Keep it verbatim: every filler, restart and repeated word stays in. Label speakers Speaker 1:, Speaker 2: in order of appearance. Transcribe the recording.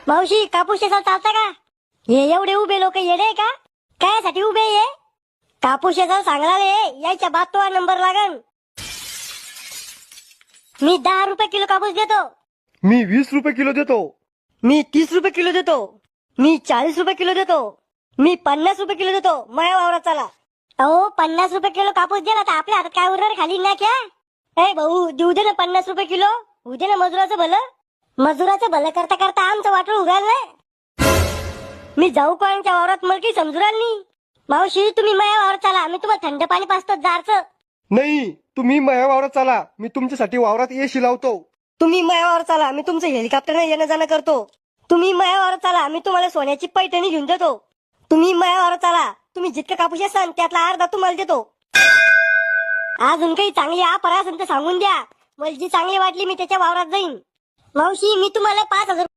Speaker 1: मावशी कापूस शेतात चालता का? हे एवढे उभे लोक येडे का? कायसाठी उभे ये? कापूस शेतात सांगणार यायच्या बाद तो नंबर लागन. मी दहा रुपये किलो कापूस देतो.
Speaker 2: मी वीस रुपये किलो देतो.
Speaker 1: मी तीस रुपये किलो देतो. मी चाळीस रुपये किलो देतो. मी पन्नास रुपये किलो देतो. माझ्या वावरात चला. अहो पन्नास रुपये किलो कापूस दिला तर आपल्या हातात काय उरणार खाली ना क्या? ए भाऊ देऊ दे ना पन्नास रुपये किलो. होऊ दे ना मजुराचं भलं. मजुराचं भलं करता करता आमचं वाटून उघाल ना. मी जाऊ कोणाच्या वावरात मला काही समजू राहिलं नाही. मावशी तुम्ही माझ्या वावरात चला. मी तुम्हाला थंड पाणी पाजतो जारचं.
Speaker 2: नाही, तुम्ही माझ्या वावरात चाला. मी तुमच्यासाठी वावरात एसी लावतो.
Speaker 1: तुम्ही माझ्या वावरात चला. मी तुमचं हेलिकॉप्टरने येणं जाणं करतो. तुम्ही माझ्या वावरात चला. मी तुम्हाला सोन्याची पैठणी घेऊन देतो. तुम्ही माझ्या वावरात चला. तुम्ही जितकं कापूस असाल त्यातला अर्धा तुम्हाला देतो. अजून काही चांगली ऑफर असेल तर सांगून द्या. मला जी चांगली वाटली मी त्याच्या वावरात जाईन. मावशी मी तुम्हाला पाच हजार